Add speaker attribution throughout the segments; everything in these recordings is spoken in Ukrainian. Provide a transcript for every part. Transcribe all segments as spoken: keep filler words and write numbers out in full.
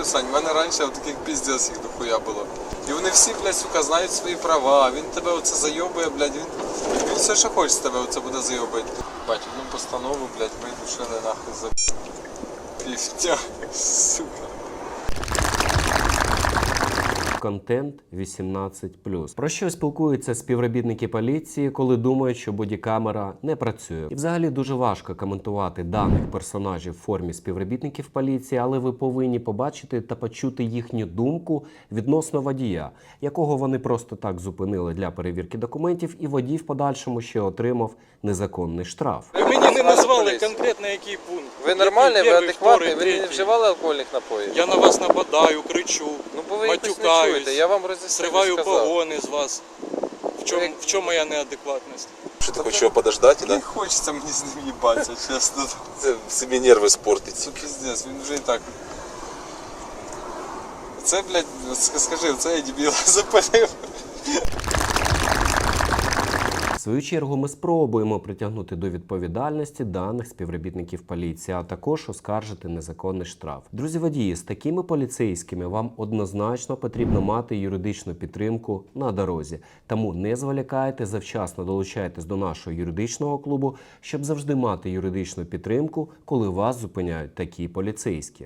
Speaker 1: Сань, в мене раніше таких піздець їх дохуя було. І вони всі, блядь, сука, знають свої права, він тебе оце зайобує, блядь, він, він все, що хоче з тебе оце буде зайобити. Бать, одну постанову, блядь, ми душили нахуй за півтя, сука.
Speaker 2: Контент вісімнадцять плюс. Про що спілкуються співробітники поліції, коли думають, що бодікамера не працює? І взагалі дуже важко коментувати даних персонажів в формі співробітників поліції, але ви повинні побачити та почути їхню думку відносно водія, якого вони просто так зупинили для перевірки документів, і водій в подальшому ще отримав незаконний штраф.
Speaker 3: Ви мені не назвали конкретно який пункт.
Speaker 1: Ви нормальний, ви адекватний, ви не вживали алкогольних напоїв?
Speaker 3: Я на вас нападаю, кричу,
Speaker 1: ну, бо ви
Speaker 3: матюкаюсь,
Speaker 1: я вам роз'яснив,
Speaker 3: сриваю погони з вас. В чому, в чому моя неадекватність?
Speaker 4: Что ты хочешь его подождать, да?
Speaker 1: Не хочеться мені з ним їбатися, чесно.
Speaker 4: Це собі нерви спортить.
Speaker 1: Це піздець, він вже і так. Це, блядь, скажи, це я дебіла запалив.
Speaker 2: В свою чергу ми спробуємо притягнути до відповідальності даних співробітників поліції, а також оскаржити незаконний штраф. Друзі водії, з такими поліцейськими вам однозначно потрібно мати юридичну підтримку на дорозі. Тому не зволікайте, завчасно долучайтесь до нашого юридичного клубу, щоб завжди мати юридичну підтримку, коли вас зупиняють такі поліцейські.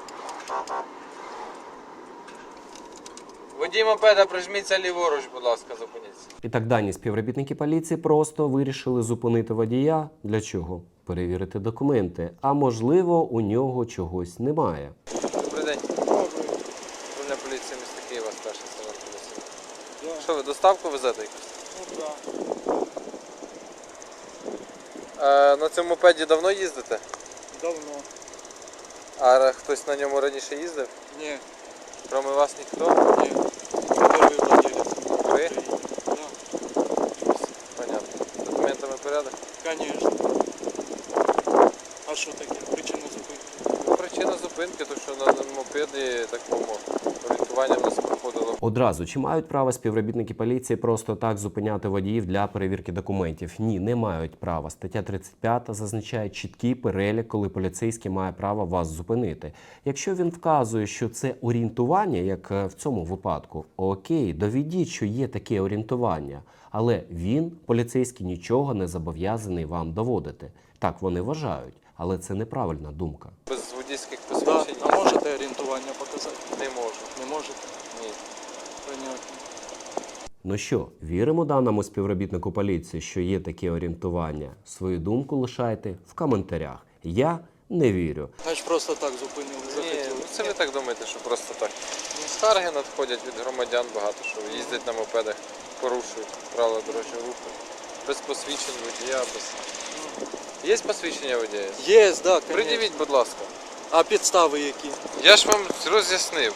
Speaker 1: Водій мопеда, прижміться ліворуч, будь ласка, зупиніться.
Speaker 2: І так дані співробітники поліції просто вирішили зупинити водія. Для чого? Перевірити документи. А можливо, у нього чогось немає.
Speaker 1: Добрий день. Управління поліції міста Києва, старший сержант поліції. Да. Що ви, доставку везете якусь? Ну, так. Да. На цьому мопеді давно їздите?
Speaker 3: Давно.
Speaker 1: А хтось на ньому раніше їздив?
Speaker 3: Ні.
Speaker 1: Кроме вас ніхто?
Speaker 3: Ні. Перший владелець.
Speaker 1: Ви?
Speaker 3: Да.
Speaker 1: Понятно. З документами порядок?
Speaker 3: Конечно. А що таке? Причина зупинки?
Speaker 1: Ну, причина зупинки, то що на мопеді такому орієнтування в нас проходило.
Speaker 2: Одразу, чи мають право співробітники поліції просто так зупиняти водіїв для перевірки документів? Ні, не мають права. Стаття тридцять п'ята зазначає чіткий перелік, коли поліцейський має право вас зупинити. Якщо він вказує, що це орієнтування, як в цьому випадку, окей, доведіть, що є таке орієнтування. Але він, поліцейський, нічого не зобов'язаний вам доводити. Так вони вважають, але це неправильна думка.
Speaker 1: Без водійських
Speaker 3: Да.
Speaker 1: посвідчень?
Speaker 3: А можете орієнтування показати?
Speaker 1: Не можу.
Speaker 3: Не можете?
Speaker 1: Ні.
Speaker 3: Понятно.
Speaker 2: Ну що, віримо даному співробітнику поліції, що є таке орієнтування? Свою думку лишайте в коментарях. Я не вірю.
Speaker 3: Значить просто так зупинили,
Speaker 1: Ні,
Speaker 3: захотіли.
Speaker 1: ну це ви так думаєте, що просто так. Ну, скарги надходять від громадян багато, що їздять на мопедах, порушують правила дорожнього руху. Без посвідчень водія, без... Є посвідчення водія?
Speaker 3: Є, да, конечно.
Speaker 1: Придивіть, будь ласка.
Speaker 3: А підстави які?
Speaker 1: Я ж вам роз'яснив.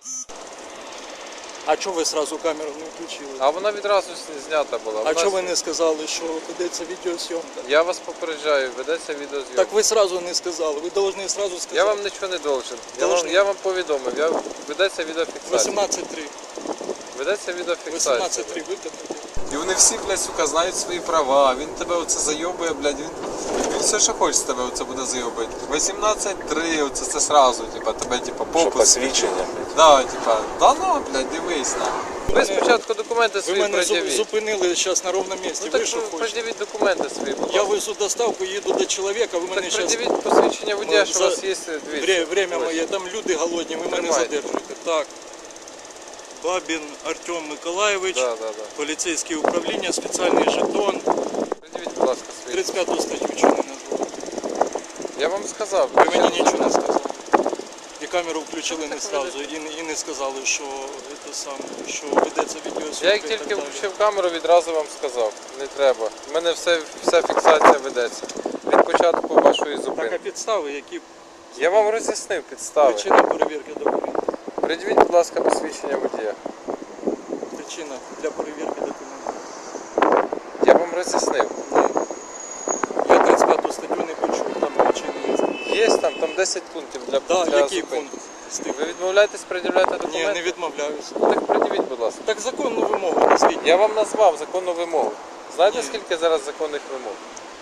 Speaker 3: А чого ви одразу камеру не включили?
Speaker 1: А вона відразу знята була.
Speaker 3: А
Speaker 1: Вона
Speaker 3: чого ви
Speaker 1: з-
Speaker 3: не сказали, що ведеться відеозйомка?
Speaker 1: Я вас попереджаю, ведеться відеозйомка.
Speaker 3: Так ви одразу не сказали, ви повинні одразу сказати.
Speaker 1: Я вам нічого не должен. Я вам,
Speaker 3: Должен.
Speaker 1: я вам повідомив, я... ведеться відеофіксація.
Speaker 3: вісімнадцять три.
Speaker 1: Ведеться відеофіксація.
Speaker 3: вісімнадцять три викликати.
Speaker 1: І вони всі, блядь, сука, знають свої права, він тебе оце зайобує, блядь, він, він все, що хоче з тебе оце буде зайобити. вісімнадцять три, оце це сразу, типа, тебе, типа,
Speaker 4: Що
Speaker 1: попуск.
Speaker 4: посвідчення?
Speaker 1: Да, типа, да ну, блядь, дивись, на. Ви спочатку документи
Speaker 3: Ви
Speaker 1: свої
Speaker 3: мене зу-
Speaker 1: пред'явіть.
Speaker 3: зупинили зараз на ровному місці,
Speaker 1: Ну
Speaker 3: ви
Speaker 1: так
Speaker 3: що хочете?
Speaker 1: пред'явіть документи свої, будь
Speaker 3: Я
Speaker 1: ласка.
Speaker 3: везу доставку, їду до чоловіка, ви мене
Speaker 1: Так
Speaker 3: зараз...
Speaker 1: пред'явіть посвідчення водія, що у
Speaker 3: за-
Speaker 1: вас є дві.
Speaker 3: Время моє, там люди голодні, ви мене
Speaker 1: Тримайте.
Speaker 3: задержуєте. Так. Бабін Артем Миколаєвич,
Speaker 1: Да, да, да.
Speaker 3: поліцейське управління, спеціальний жетон.
Speaker 1: Пред'явіть, будь ласка, свої.
Speaker 3: тридцять п'яту статтю чого не назвали?
Speaker 1: Я вам сказав.
Speaker 3: Ви
Speaker 1: ще
Speaker 3: мені
Speaker 1: раз
Speaker 3: нічого не
Speaker 1: сказав.
Speaker 3: сказали. І камеру включили не
Speaker 1: Так
Speaker 3: сразу, і, не- і не сказали, що, це саме, що ведеться відеозйомка.
Speaker 1: Я як
Speaker 3: і
Speaker 1: тільки
Speaker 3: так далі.
Speaker 1: включив камеру, відразу вам сказав. Не треба. У мене все, вся фіксація ведеться. Від початку вашої
Speaker 3: Так, а
Speaker 1: зупинки.
Speaker 3: підстави, які
Speaker 1: Я вам роз'яснив підстави.
Speaker 3: причина перевірки документів?
Speaker 1: Пред'явіть, будь ласка, посвідчення водія.
Speaker 3: Причина для перевірки документів.
Speaker 1: Я вам роз'яснив.
Speaker 3: Я тридцять п'яту статтю не почув, там причини є.
Speaker 1: Є там, там десять пунктів для,
Speaker 3: Да,
Speaker 1: для
Speaker 3: який
Speaker 1: зупинки.
Speaker 3: пункт? з тих?
Speaker 1: Ви відмовляєтесь пред'являти
Speaker 3: Ні,
Speaker 1: документи?
Speaker 3: не відмовляюся.
Speaker 1: Ну, так пред'явіть, будь ласка.
Speaker 3: Так законну вимогу назвіть.
Speaker 1: Я вам назвав законну вимогу. Знаєте,
Speaker 3: Ні.
Speaker 1: скільки зараз законних вимог?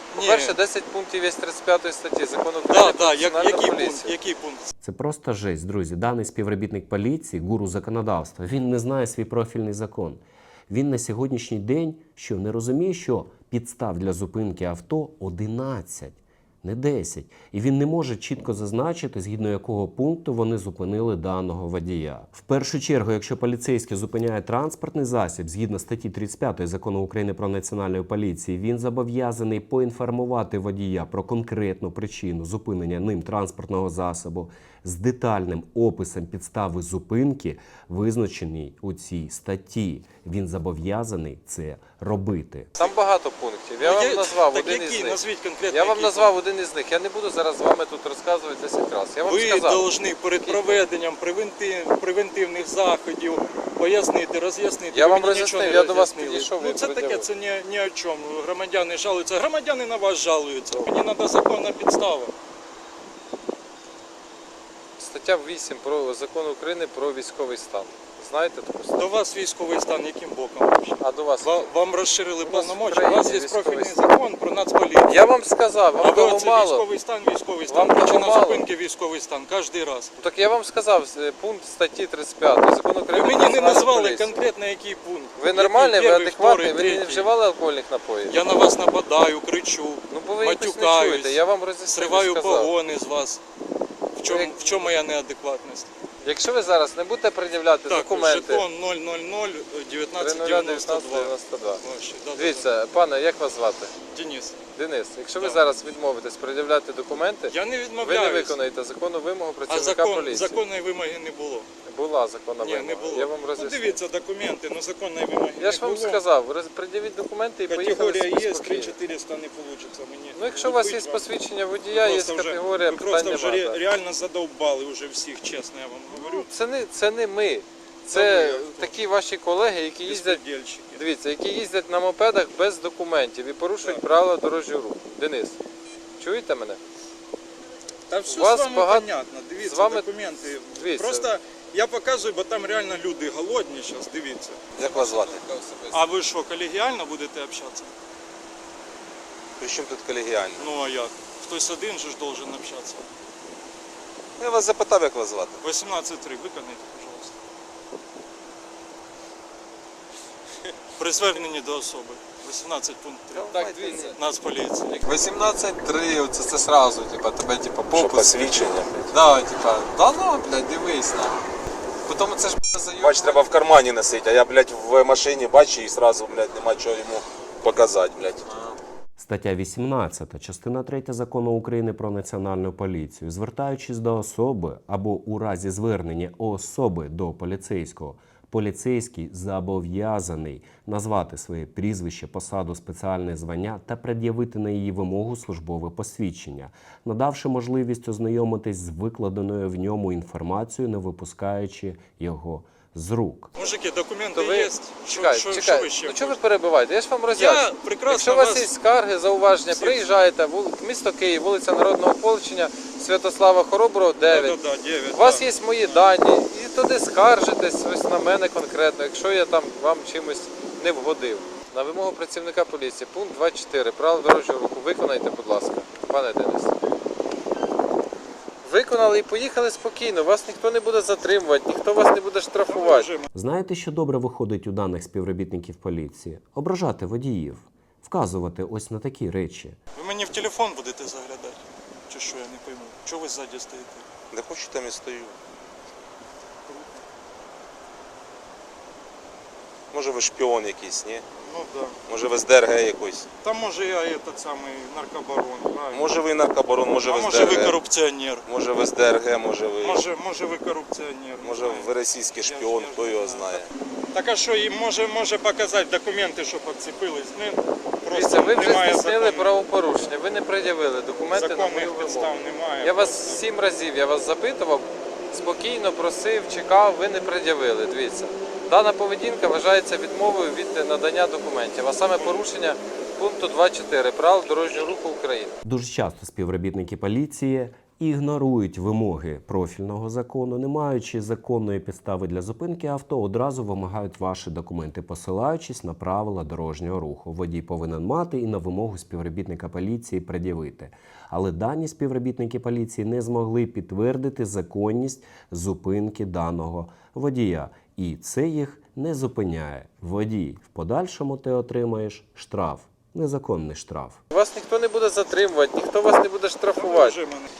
Speaker 1: По-перше, десять пунктів є тридцять п'ятої статті закону України
Speaker 3: Да,
Speaker 1: про
Speaker 3: да, як,
Speaker 1: національну
Speaker 3: який
Speaker 1: поліцію.
Speaker 3: пункт? Який пункт?
Speaker 2: Це просто жесть, друзі. Даний співробітник поліції, гуру законодавства, він не знає свій профільний закон. Він на сьогоднішній день що не розуміє, що підстав для зупинки авто одинадцять, не десять. І він не може чітко зазначити, згідно якого пункту вони зупинили даного водія. В першу чергу, якщо поліцейський зупиняє транспортний засіб, згідно статті тридцять п'ятої закону України про національну поліцію, він зобов'язаний поінформувати водія про конкретну причину зупинення ним транспортного засобу з детальним описом підстави зупинки, визначеній у цій статті. Він зобов'язаний це робити.
Speaker 1: Там багато пунктів. Я
Speaker 3: Ну,
Speaker 1: вам
Speaker 3: є-
Speaker 1: назвав
Speaker 3: так
Speaker 1: один
Speaker 3: який?
Speaker 1: із них.
Speaker 3: Назвіть конкретно,
Speaker 1: Я вам
Speaker 3: який
Speaker 1: назвав один із них. Я не буду зараз з вами тут розказувати десять разів. Я вам
Speaker 3: Ви
Speaker 1: сказав.
Speaker 3: повинні перед проведенням превентив- превентивних заходів пояснити, роз'яснити.
Speaker 1: Я
Speaker 3: Ви
Speaker 1: вам
Speaker 3: мені
Speaker 1: роз'яснив,
Speaker 3: нічого не
Speaker 1: я до вас
Speaker 3: роз'яснили.
Speaker 1: підійшов,
Speaker 3: Ну
Speaker 1: ви
Speaker 3: це таке,
Speaker 1: пред'явили.
Speaker 3: це ні, ні о чому. Громадяни жалуються. Громадяни на вас жалуються. Мені треба законна підстава.
Speaker 1: Стаття вісім про закону України про військовий стан. Знаєте таку статтю?
Speaker 3: До вас військовий стан яким боком вообще?
Speaker 1: А до вас?
Speaker 3: Ва- Вам розширили
Speaker 1: У нас в
Speaker 3: повномочі. У вас
Speaker 1: країні
Speaker 3: є
Speaker 1: військовий
Speaker 3: профільний
Speaker 1: стан.
Speaker 3: закон про нацполіцію.
Speaker 1: Я вам сказав,
Speaker 3: А
Speaker 1: вам
Speaker 3: ви
Speaker 1: того
Speaker 3: оце
Speaker 1: мало.
Speaker 3: військовий стан, військовий стан.
Speaker 1: Вам того
Speaker 3: Причина
Speaker 1: мало.
Speaker 3: зупинки військовий стан. Кожен раз.
Speaker 1: Так я вам сказав, е, пункт статті тридцять п'ятої закону
Speaker 3: Ви
Speaker 1: України про
Speaker 3: мені не
Speaker 1: національну
Speaker 3: назвали
Speaker 1: поліцію.
Speaker 3: конкретно який пункт.
Speaker 1: Ви нормальний, ви
Speaker 3: Який? Перший,
Speaker 1: адекватний, ви
Speaker 3: второй,
Speaker 1: не
Speaker 3: третій.
Speaker 1: вживали алкогольних напоїв?
Speaker 3: Я на вас нападаю, кричу,
Speaker 1: Ну бо ви якось не
Speaker 3: матюкаюсь,
Speaker 1: чуєте, я вам роз'яснив і
Speaker 3: сриваю
Speaker 1: сказав.
Speaker 3: погони з вас. В чому,
Speaker 1: як-
Speaker 3: в чому моя неадекватність?
Speaker 1: Якщо ви зараз не будете пред'являти
Speaker 3: Так,
Speaker 1: документи,
Speaker 3: жетон нуль нуль нуль дев'ятнадцять дев'яносто два.
Speaker 1: дев'ятнадцять дев'яносто два.
Speaker 3: Ось, да, да,
Speaker 1: Дивіться, пане, як вас звати?
Speaker 3: да. Денис,
Speaker 1: Денис, якщо ви
Speaker 3: Так.
Speaker 1: зараз відмовитесь пред'являти документи,
Speaker 3: я не
Speaker 1: ви не
Speaker 3: відмовляюсь.
Speaker 1: виконаєте законну вимогу
Speaker 3: А
Speaker 1: працівника
Speaker 3: закон,
Speaker 1: поліції.
Speaker 3: законної вимоги не було.
Speaker 1: Була законна
Speaker 3: Ні,
Speaker 1: вимога.
Speaker 3: не було.
Speaker 1: Я вам
Speaker 3: Ну,
Speaker 1: роз'яснив.
Speaker 3: дивіться документи, ну законної вимоги
Speaker 1: Я ж
Speaker 3: не
Speaker 1: вам
Speaker 3: було.
Speaker 1: сказав, роз- пред'явіть документи і поїхали
Speaker 3: Категорія є,
Speaker 1: спокійно.
Speaker 3: три чотириста не вийде мені.
Speaker 1: Ну якщо у вас є
Speaker 3: Купить вам.
Speaker 1: посвідчення водія, є
Speaker 3: Просто вже-
Speaker 1: категорія,
Speaker 3: ви
Speaker 1: питань
Speaker 3: просто вже
Speaker 1: немає.
Speaker 3: ре- реально задовбали вже всіх, чесно я вам говорю.
Speaker 1: Ну, це не, це не ми.
Speaker 3: Та
Speaker 1: Це
Speaker 3: ви, хто?
Speaker 1: такі ваші колеги, які їздять,
Speaker 3: Безпредельщики.
Speaker 1: дивіться, які їздять на мопедах без документів і порушують правила дорожнього руху. Денис, чуєте мене?
Speaker 3: Та все
Speaker 1: У вас
Speaker 3: з вами
Speaker 1: багато-
Speaker 3: понятно, дивіться,
Speaker 1: з вами-
Speaker 3: документи.
Speaker 1: Дивіться.
Speaker 3: Просто я показую, бо там реально люди голодні зараз, дивіться.
Speaker 4: Як вас звати?
Speaker 3: А ви що, колегіально будете общатися?
Speaker 4: При чому тут колегіально?
Speaker 3: Ну а як? Хтось один же ж должен общатися.
Speaker 4: Я вас запитав, як вас звати.
Speaker 3: вісімнадцять три виконайте, пожалуйста. При зверненні до особи. вісімнадцять пункт три.
Speaker 1: Так, дивіться.
Speaker 3: Нацполіції.
Speaker 1: вісімнадцять три, оце це сразу, типа, тебе типа
Speaker 4: Що
Speaker 1: попуск.
Speaker 4: посвідчення?
Speaker 1: Да, типа, да ну, блядь, дивись на. Потім це ж буде зайом.
Speaker 4: Бач, треба в кармані носити, а я, блядь, в машині бачу і сразу, блядь, нема чого йому показати, блядь.
Speaker 2: Стаття вісімнадцята, частина третя закону України про національну поліцію. Звертаючись до особи або у разі звернення особи до поліцейського, поліцейський зобов'язаний назвати своє прізвище, посаду, спеціальне звання та пред'явити на її вимогу службове посвідчення, надавши можливість ознайомитись з викладеною в ньому інформацією, не випускаючи його з рук.
Speaker 3: Мужики, документи
Speaker 1: То ви...
Speaker 3: є? Що,
Speaker 1: Чекай,
Speaker 3: що,
Speaker 1: чекай,
Speaker 3: що ви ще
Speaker 1: ну чого ви
Speaker 3: хочете?
Speaker 1: перебиваєте? Я ж вам роз'ясню.
Speaker 3: Я прекрасно
Speaker 1: Якщо у вас
Speaker 3: вас-
Speaker 1: є скарги, зауваження,
Speaker 3: Всі-
Speaker 1: приїжджайте, вул- місто Київ, вулиця Народного Ополчення, Святослава Хороброго, дев'ять.
Speaker 3: Да, да, да, дев'ять,
Speaker 1: У вас
Speaker 3: да.
Speaker 1: є мої дані, і туди скаржитесь ось на мене конкретно, якщо я там вам чимось не вгодив. На вимогу працівника поліції, пункт двадцять чотири, правил дорожнього руху, виконайте, будь ласка, пане Денис. Виконали і поїхали спокійно, вас ніхто не буде затримувати, ніхто вас не буде штрафувати.
Speaker 3: Вже
Speaker 2: Знаєте, що добре виходить у даних співробітників поліції? Ображати водіїв, вказувати ось на такі речі.
Speaker 3: Ви мені в телефон будете заглядати? Чи що, я не пойму. Чого ви ззаді стоїте?
Speaker 4: Не хочу, там і стою. Може ви шпіон якийсь, ні?
Speaker 3: Ну так. Да.
Speaker 4: Може ви з ДРГ якийсь?
Speaker 3: Там може я этот самий наркобарон, правильно?
Speaker 4: Може ви наркобарон, може
Speaker 3: а
Speaker 4: ви з
Speaker 3: може ви
Speaker 4: ДРГ?
Speaker 3: корупціонер?
Speaker 4: Може ви з ДРГ, може ви...
Speaker 3: Може, може ви корупціонер? не
Speaker 4: Може
Speaker 3: знаю.
Speaker 4: ви російський
Speaker 3: Я ж-
Speaker 4: шпіон,
Speaker 3: я ж
Speaker 4: хто
Speaker 3: не
Speaker 4: його
Speaker 3: знаю.
Speaker 4: знає.
Speaker 3: Так а що, їм може, може показати документи, що підцепились? Не,
Speaker 1: Дивіться,
Speaker 3: просто
Speaker 1: ви вже
Speaker 3: немає
Speaker 1: здійснили
Speaker 3: закону.
Speaker 1: правопорушення, ви не пред'явили документи на мою
Speaker 3: Законних підстав
Speaker 1: вимогу.
Speaker 3: немає.
Speaker 1: Я вас
Speaker 3: просто.
Speaker 1: сім разів, я вас запитував, спокійно просив, чекав, ви не пред'явили. Дивіться, дана поведінка вважається відмовою від надання документів, а саме порушення пункту двадцять чотири правил дорожнього руху України.
Speaker 2: Дуже часто співробітники поліції ігнорують вимоги профільного закону, не маючи законної підстави для зупинки авто, одразу вимагають ваші документи, посилаючись на правила дорожнього руху. Водій повинен мати і на вимогу співробітника поліції пред'явити. Але дані співробітники поліції не змогли підтвердити законність зупинки даного водія. І це їх не зупиняє. Водій, в подальшому ти отримаєш штраф, незаконний штраф.
Speaker 1: Вас ніхто не буде затримувати, ніхто вас не буде штрафувати.
Speaker 3: Вже мене.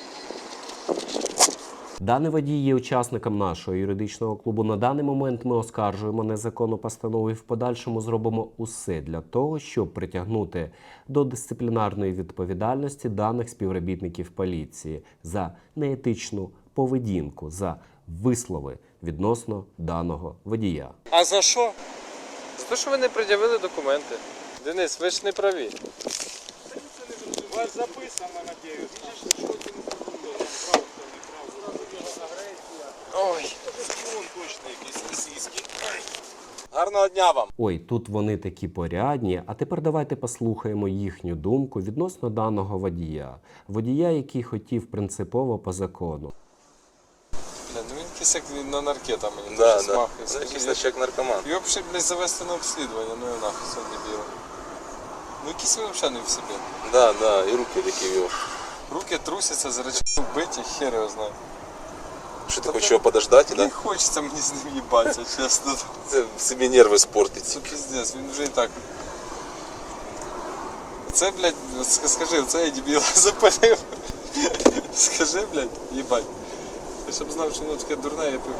Speaker 2: Даний водій є учасником нашого юридичного клубу. На даний момент ми оскаржуємо незаконну постанову і в подальшому зробимо усе для того, щоб притягнути до дисциплінарної відповідальності даних співробітників поліції за неетичну поведінку, за вислови відносно даного водія.
Speaker 3: А за що?
Speaker 1: За те, що ви не пред'явили документи. Денис, ви ж не праві.
Speaker 3: У вас записано, надіюсь.
Speaker 1: Ой.
Speaker 4: Точно якийсь російський. Гарного дня вам.
Speaker 2: Ой, тут вони такі порядні, а тепер давайте послухаємо їхню думку відносно даного водія. Водія, який хотів принципово по закону.
Speaker 1: Бля, ну він якийсь як на наркета мені
Speaker 4: Да,
Speaker 1: дуже
Speaker 4: да.
Speaker 1: смахує.
Speaker 4: Це якийсь начек наркоман.
Speaker 1: Його б ще, блядь, завести на обслідування, ну і нахуй сон дебіла. Ну якийсь він взагалі не в собі.
Speaker 4: Да, да, і руки такі в його.
Speaker 1: Руки трусяться, зрачки вбиті, хер його знає.
Speaker 4: Що ти хочеш його подождати,
Speaker 1: Не
Speaker 4: да?
Speaker 1: хочеться мені з ним їбатися, чесно.
Speaker 4: Це собі нерви спортить.
Speaker 1: Це піздець, він вже і так. Це, блядь, ск- скажи, це я дебіла запалив. Скажи, блядь, їбать. Я щоб знав, що воно таке дурне, я пив.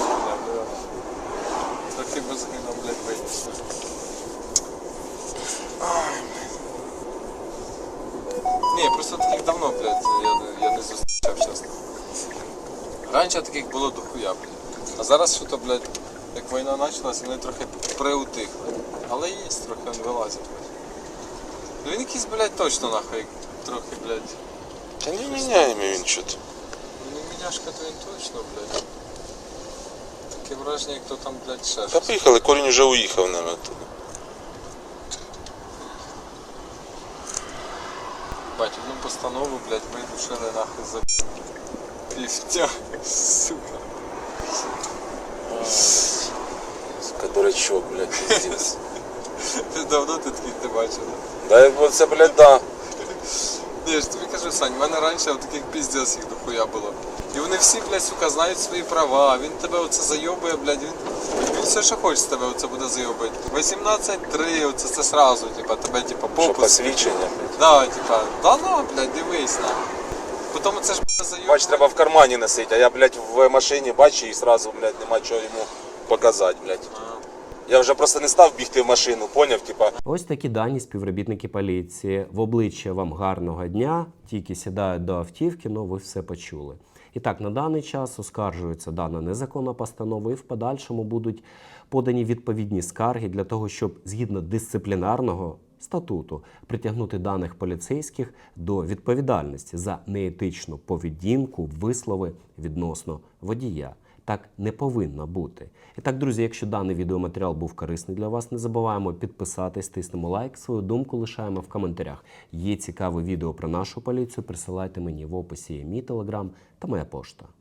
Speaker 1: Трохи без грина, блядь, вийти. Ай, блядь. Ні, просто таких давно, блядь, я, я не зустрічав, чесно. Раніше таких було дохуя, блядь. А зараз що то, блядь, як війна почалася, вони трохи приутихли. Але є, трохи він вилазить, блядь. Ну він якийсь, блядь, точно нахуй, трохи, блядь.
Speaker 4: Та не міняємо він що-то.
Speaker 1: Ну не міняшка, то він точно, блядь. Таке враження, як то там, блядь, ще
Speaker 4: Та
Speaker 1: щось.
Speaker 4: поїхали, корінь вже уїхав, наверное, оттуда.
Speaker 1: Бать, одну постанову, блядь, видушили нахуй за півтя, сука.
Speaker 4: Сука, дурачок, блядь, пиздец.
Speaker 1: Ти давно ти таких не бачив?
Speaker 4: Да, бо це, блядь, да.
Speaker 1: Ні, я ж тобі кажу, Сань, в мене раніше таких піздець їх дохуя було. І вони всі, блядь, сука, знають свої права, він тебе оце зайобує, блядь, він, він все, що хоче з тебе оце буде зайобити. вісімнадцять три, оце це сразу, типа, тебе, типа,
Speaker 4: Що
Speaker 1: попуск.
Speaker 4: посвідчення, блядь.
Speaker 1: Да, типа, да ну, блядь, дивись на. Потім це ж буде зайобувати.
Speaker 4: Бач, треба в кармані носити, а я, блядь, в машині бачу і сразу, блядь, нема чого йому показати, блядь. Я вже просто не став бігти в машину, поняв, типа.
Speaker 2: Ось такі дані співробітники поліції. В обличчя вам гарного дня, тільки сідають до автівки, ну ви все почули. І так, на даний час оскаржується дана незаконна постанова і в подальшому будуть подані відповідні скарги для того, щоб згідно дисциплінарного статуту притягнути даних поліцейських до відповідальності за неетичну поведінку, вислови відносно водія. Так не повинно бути. І так, друзі, якщо даний відеоматеріал був корисний для вас, не забуваємо підписатись, тиснемо лайк, свою думку лишаємо в коментарях. Є цікаве відео про нашу поліцію, присилайте мені в описі є мій телеграм та моя пошта.